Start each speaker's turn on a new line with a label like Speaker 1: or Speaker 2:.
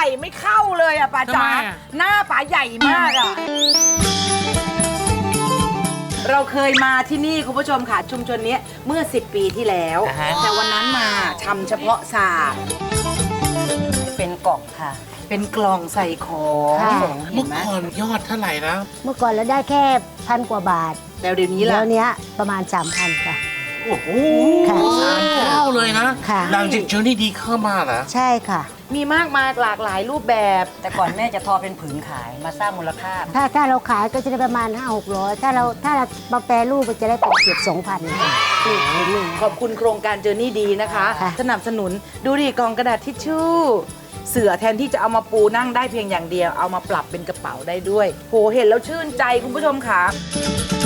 Speaker 1: ส่ไม่เข้าเลยอ่ะป๋าจ๋าหน้าป๋าใหญ่มากอ่ะเราเคยมาที่นี่คุณผู้ชมค่ะชุมชนนี้เมื่อ10 ปีที่แล้วแต่วันนั้นมาทำเฉพาะศาสตร์
Speaker 2: เป็นกล่องค่ะ
Speaker 1: เป็นกล่องใส่ของเห็
Speaker 3: เมื่
Speaker 1: น
Speaker 3: อ
Speaker 1: ไหม
Speaker 3: ก่อนยอดเท่าไหร่นะ
Speaker 4: เมื่อก่อนเราได้แค่1,000 กว่าบาท
Speaker 1: แล้วเดี๋ยวนี้ล่ะ
Speaker 4: แล้วเนี้ยประมาณ 3,000 ค่ะ
Speaker 3: โอ้โห
Speaker 4: ค่ะ
Speaker 3: 3 เท่าเลยนะ
Speaker 4: ค่ะ
Speaker 3: หลังจากเจอนี่ดีเข้ามาเหรอ
Speaker 4: ใช่ค่ะ
Speaker 1: มีมากมายหลากหลายรูปแบบ
Speaker 2: แต่ก่อนแม่จะทอเป็นผืนขายมาสร้างมูลค่า
Speaker 4: ถ้าเราขายก็จะได้ประมาณ 500-600 ถ้าเรามาแปรรูปก็จะได้เป็นเกือบ 2,000 ค่ะนี่
Speaker 1: ขอบคุณโครงการเจอนี่ดีนะคะ
Speaker 4: ค่ะ
Speaker 1: สนับสนุนดูดิกล่องกระดาษทิชชู่เสือแทนที่จะเอามาปูนั่งได้เพียงอย่างเดียวเอามาปรับเป็นกระเป๋าได้ด้วยโหเห็นแล้วชื่นใจคุณผู้ชมค่ะ